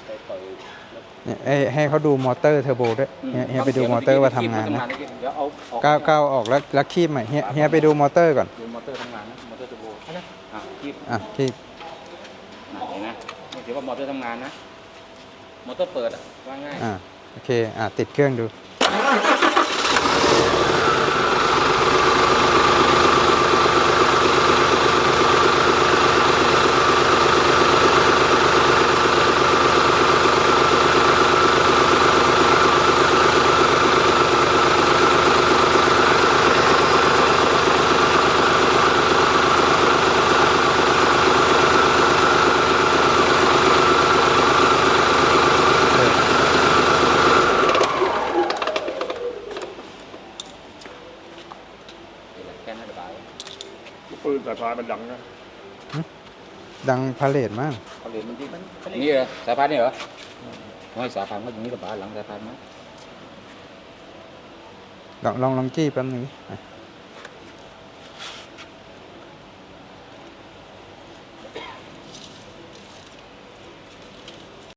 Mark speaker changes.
Speaker 1: ไปเปิด
Speaker 2: เนี่ยให้เขาดูมอเตอร์เทอร์โบด้วยเฮียไปดูมอเตอร์ว่าทำงานนะ
Speaker 1: เดี๋ยวเอา
Speaker 2: ก้าวออกแล้วคีบใหม่เฮียไปดูมอเตอร์ก่อน
Speaker 1: ดูมอเตอร์ทำงานนะมอเตอร์เทอร์โบนะคีบ
Speaker 2: คีบ
Speaker 1: เห็นนะนี่ถือว่ามอเตอร์ทำงานนะมอเตอร์เปิดว่าง่าย
Speaker 2: โอเคติดเครื่องดู
Speaker 3: ปืนสายพานมันดังนะ
Speaker 2: ดังพาเลทมาก
Speaker 1: พาเลทมันนี่เหรอสายพานนี่เหรอไม่สายพานก็อย่างนี้กับบ้านหลังสายพานมั้ย
Speaker 2: ลองจี้แป๊บนึง